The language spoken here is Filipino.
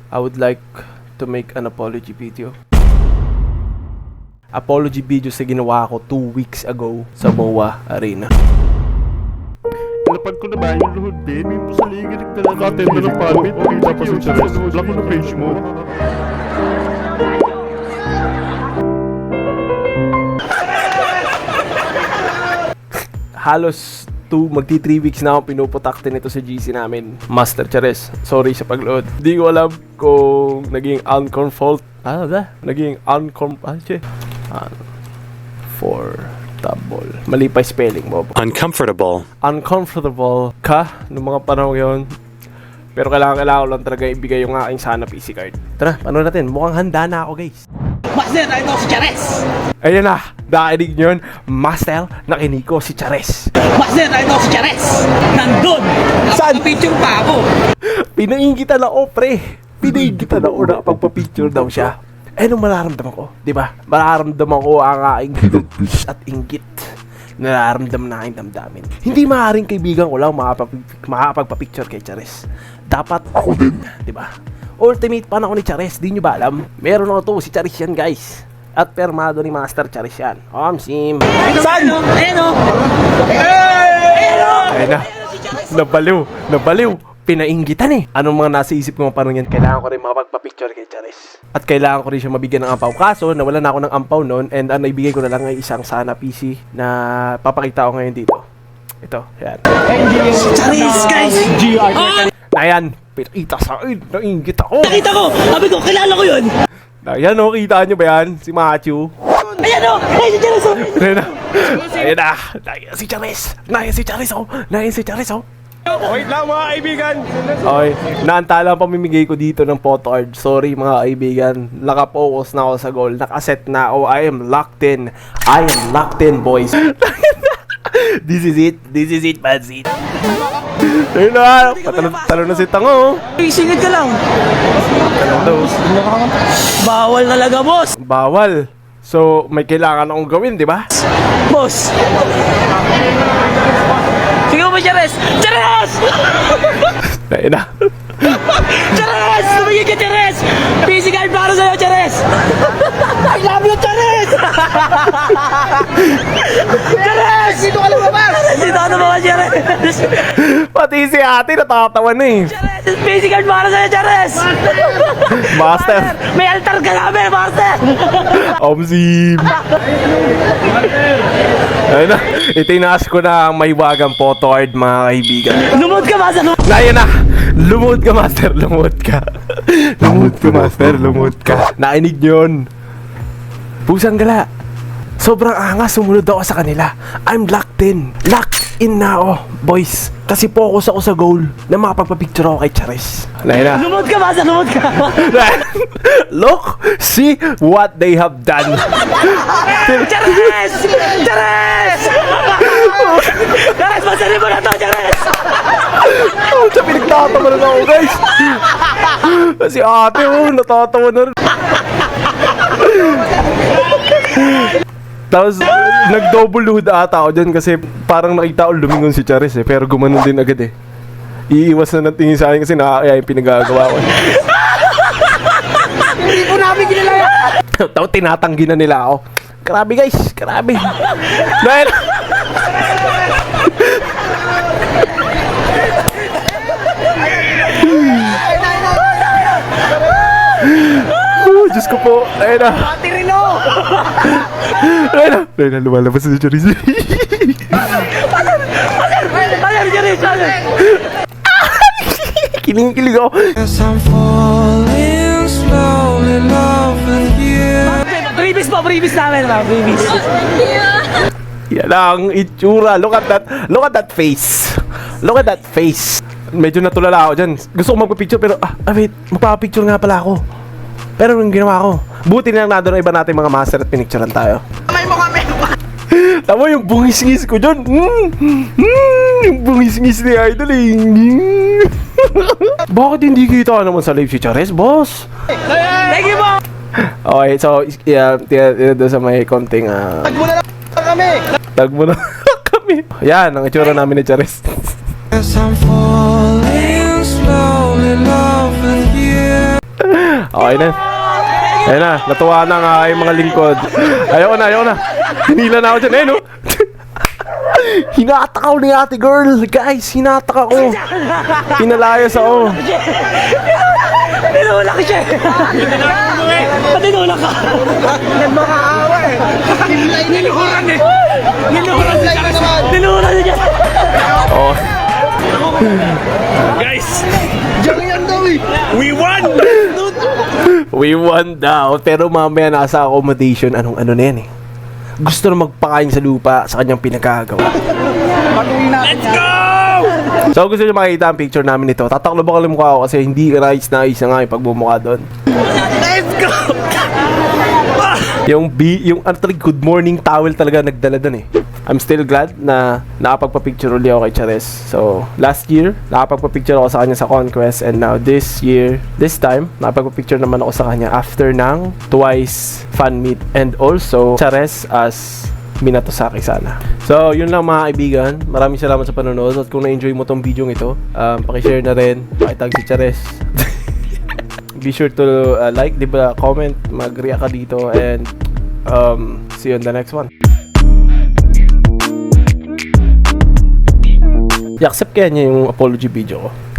I would like to make an apology video. Apology video sa ginawa ko 2 weeks ago sa MOA Arena. Napag ko na ba yung luhod, Ben? May po sa liga nagtala ng pamit. Okay, tapos yung Chares. Block mo na page mo. Halos magti 3 weeks na ako pinuputakte nito sa GC namin. Master Chares, sorry sa pagload. Di ko alam kung naging uncomfortable. Mali pa spelling mo. Uncomfortable ka noong mga panahon yon. Pero kailangan ko lang talaga ibigay yung aking sana PC card. Tara, paano natin? Mukhang handa na ako, guys. Master, ito si Chares! Ayan na, nakinig nyo yun. Master, nakinig ko si Chares. Master, ito si Chares! Nandun! Saan? Picture pa ako! Pinaingitan ako, pre. Pinaingitan ako na pagpa-picture daw siya. Eh, nung mararamdaman ko, di ba? Mararamdaman ko ang aking at inggit. Nararamdaman na aking damdamin. Hindi maaaring kaibigan ko lang makapagpa-picture kay Chares. Dapat ako din, di ba? Ultimate fan ako ni Chares, di nyo ba alam? Meron ako to, si Chares yan, guys. At permado ni Master Chares yan. Sim. Saan? Ayan o! Ayun na. Nabaliw. Pinainggitan eh. Anong mga nasa isip ko parang yan? Kailangan ko rin makapagpa-picture kay Chares. At kailangan ko rin siya mabigyan ng ampaw. Kaso, nawalan na ako ng ampaw noon. And ang naibigay ko na lang ay isang sana PC na papakita ko ngayon dito. Ito, yan. Chares, guys! Ayan, pinakita sa akin. Nainggit ako. Nakita ko! Sabi ko, kilala ko yun! Ayan o, kita nyo ba yan? Si Machu. Ayan o! Ayan si Chares o! Ayan na. Ayan si Chares. Ayan si Chares o. Wait lang mga kaibigan! Okay, naantala ang pamimigay ko dito ng photo art. Sorry mga kaibigan. Nakapokus na ako sa goal. Nakaset na ako. I am locked in, boys. This is it, Pansit. Ayun na, talo na si Tango. Singit ka lang! Bawal talaga, boss! Bawal. So, may kailangan akong gawin, di ba? Boss! Sige mo, Chares! Chares! Ayun na. Chares! Tumigil ka, Chares! PC card para sa'yo, Chares! I love you, Chares! Chares! Dito ka lumabas! Dito ka lumabas, Chares! Pati si ate natatawa na eh. Chares! PC card para sa'yo, Chares! Master. May altar ka namin, Master! Sim. Ayun na. Itinaas ko na ang mahiwagang photo art, mga kaibigan. Lumod ka, Master! Ayun na. Lumod ka, Master. Lumod ka. Lumod ka. Nainig yun. Pusang gala. Sobrang angas, sumunod ako sa kanila. I'm locked in. Locked in na ako, boys. Kasi focus ako sa goal na makapagpapicture ako kay Chares. Ayun na. Lumod ka, Master! Lumod ka! Look, see what they have done. Chares! Chares! Chares, masarin mo na to, Chares! Sa pinagtatawa na ako, guys. Si ate, natatawa na rin. Tapos, nag-double load ata ako dyan kasi parang nakita ko lumingon si Chares eh. Pero gumanon din agad eh. Iiwas na natingin sa akin kasi nakakaya yung pinagagawa ko. Hindi ko namin ginala! Tapos tinatanggi na nila ako. Grabe guys, grabe. Dahil... Diyos ko po. Ayun na. Patirino! Ayun na, lumalabas si Chares. Patir, Chares! Kiling-kilig ako. Previous namin, mga previous. Yan ang itsura. Look at that face. Medyo natulala ako dyan. Gusto ko magpa-picture pero, wait, magpa-picture nga pala ako. Pero yung ginawa ko, buti na lang na iba natin mga master at pinicturean tayo. Kamay mo kami! Tama yung bungis-ngis ko dyan. Yung bungis-ngis ni Idol eh. Bakit hindi kita naman sa live si Chares, boss? Thank you, po! Okay, so, doon sa may konting, Tag mo na lang kami! tag mo na kami. Yan, ang itsura namin ni Chares. I'm falling slowly in love with you. Okay na. Ayun na, natuwa na nga yung mga lingkod. Ayoko na. Hinila na ako dyan, no? Hinatak ako ni ate girl. Guys, hinatak ako. Pinalayas ako. Tinulak siya. Tinulak ka. Nagmakaawa eh. Niluhuran eh. Niluhuran siya. Oh. Guys. We won! We won daw. Pero mamaya nasa accommodation. Anong ano na yan eh. Gusto na magpakain sa lupa sa kanyang pinagkagawa. Let's go! So gusto nyo makita ang picture namin nito. Tataklo ba kalim mukha ako kasi hindi nice na nga yung pagbumukha doon. Let's go! Yung good morning towel talaga nagdala doon eh. I'm still glad na nakapagpa-picture ulit ako kay Chares. So, last year, nakapagpa-picture ako sa kanya sa Conquest. And now, this time, nakapagpa-picture naman ako sa kanya after ng twice fan meet. And also, Chares as Minato-saki sana. So, yun lang mga kaibigan. Maraming salamat sa panonood. At kung na-enjoy mo tong video ito, pakishare na rin. Pakitag si Chares. Be sure to like, diba, comment, mag-react ka dito. And, see you in the next one. I-accept kaya niya yung apology video ko.